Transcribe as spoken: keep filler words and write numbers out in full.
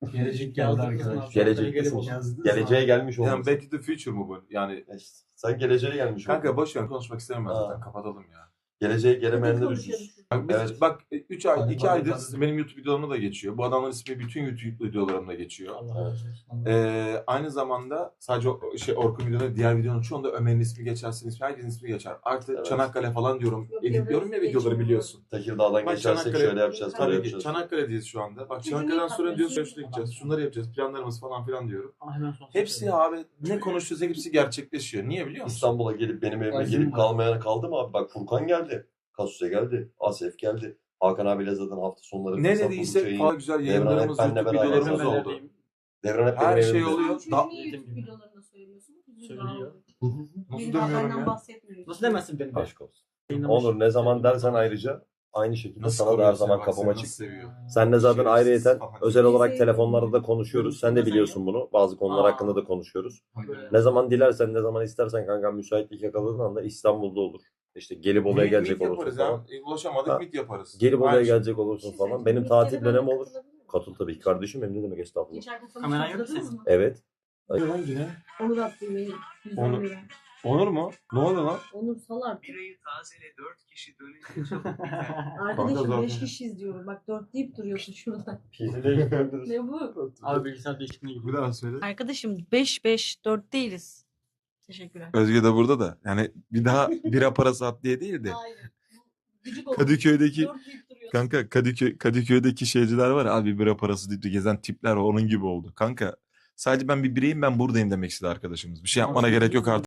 Gelecek geldi arkadaşlar. Gelecektesin. Geleceğe gelmiş olması. Yani Back to the Future mu bu? Yani Ya işte, sen geleceğe gelmiş kanka oldun. boş ver, konuşmak istemiyorum ben Aa. zaten, kapatalım ya. Geleceğe gelemeyenler üzülsün. Bak, biz, Evet. bak üç ay, Hadi, iki hadi, aydır hadi. benim YouTube videolarımda da geçiyor. Bu adamların ismi bütün YouTube videolarımda geçiyor. Allah razı olsun. Ee, aynı zamanda sadece o, şey Orkun videoları, diğer videonun çoğunda Ömer'in ismi geçer, senin ismi, herkesin ismi geçer. Artık Evet. Çanakkale falan diyorum. Yok, Editliyorum ya yok, videoları geçmiyor. biliyorsun. Tekirdağ'dan Bak geçersek Çanakkale- şöyle yapacağız, böyle Tabii ki yapacağız. Çanakkale'deyiz şu anda. Bak Bizim Çanakkale'den ilk sonra diyoruz haberimiz şöyle gideceğiz, şunları yapacağız, planlarımız falan filan diyorum. Aa, hemen son Hepsi söyleyeyim. abi ne konuşuyorsa hepsi gerçekleşiyor. Niye biliyor musun? İstanbul'a gelip benim evime Azim gelip var. kalmayana kaldı mı abi? Bak Furkan geldi. Kasuse geldi. Asef geldi. Hakan abiyle zaten hafta sonları Ne fırsat dediysek buldukça falan güzel Devran yayınlarımız, hep benle YouTube beraber videolarımız zaten. oldu. Devran hep Her benim şey evimde. oluyor. Çünkü Da- niye Dediğim YouTube gibi. videolarında söylüyorsun? Söylüyor. Nasıl Benim demiyorum haberden ya? bahsetmiyorsun. Nasıl demezsin benim? Aşk olsun. Yayınlamış. Onur ne zaman dersen ayrıca aynı şekilde Nasıl sana da her koruyor zaman seni, bak kapıma seni çık. nasıl seviyor. Senle zaten Şerefsiz ayrıyeten falan. özel olarak Bizi- telefonlarda da konuşuyoruz. Sen de biliyorsun bunu. Bazı konular Aa. hakkında da konuşuyoruz. Böyle. Ne zaman dilersen, ne zaman istersen kanka müsaitlik yakaladığın anda İstanbul'da olur. İşte gelip Bolu'ya Meet- gelecek meet olursun yaparız falan. ya. Ulaşamadık Ha. meet yaparız. Gelip Aynı Bolu'ya şey. gelecek olursun falan. Benim tatil dönemi olur. Katıl tabii ki kardeşim, benim ne demek estağfurullah. Geçen hafta Kameran yok hatırladınız senin. mı? Evet. Lan yine. Onur attı mail. yüz on Onur. lira. Onur mu? Ne oldu lan? Onur sal artık. Birayı tazele dört kişi dönünce çok güzel. Arkadaşım zaten. beş kişiyiz diyorum. Bak dört deyip duruyorsun şurada. Pizli'ye gidebiliriz. Ne bu? Abi bilgisayar değişikliğine gidiyor. daha söyle. Arkadaşım beş beş dört değiliz. Teşekkürler. Özge de burada da. Yani bir daha bira parası at diye değil de. Hayır. Gıcık oldum. Kadıköy'deki Dört deyip duruyorsun. kanka Kadıköy Kadıköy'deki şeyciler var ya, abi bira parası deyip de gezen tipler var, onun gibi oldu. Kanka sadece ben bir bireyim, ben buradayım demek istedi arkadaşımız. Bir şey yapmana gerek yok artık.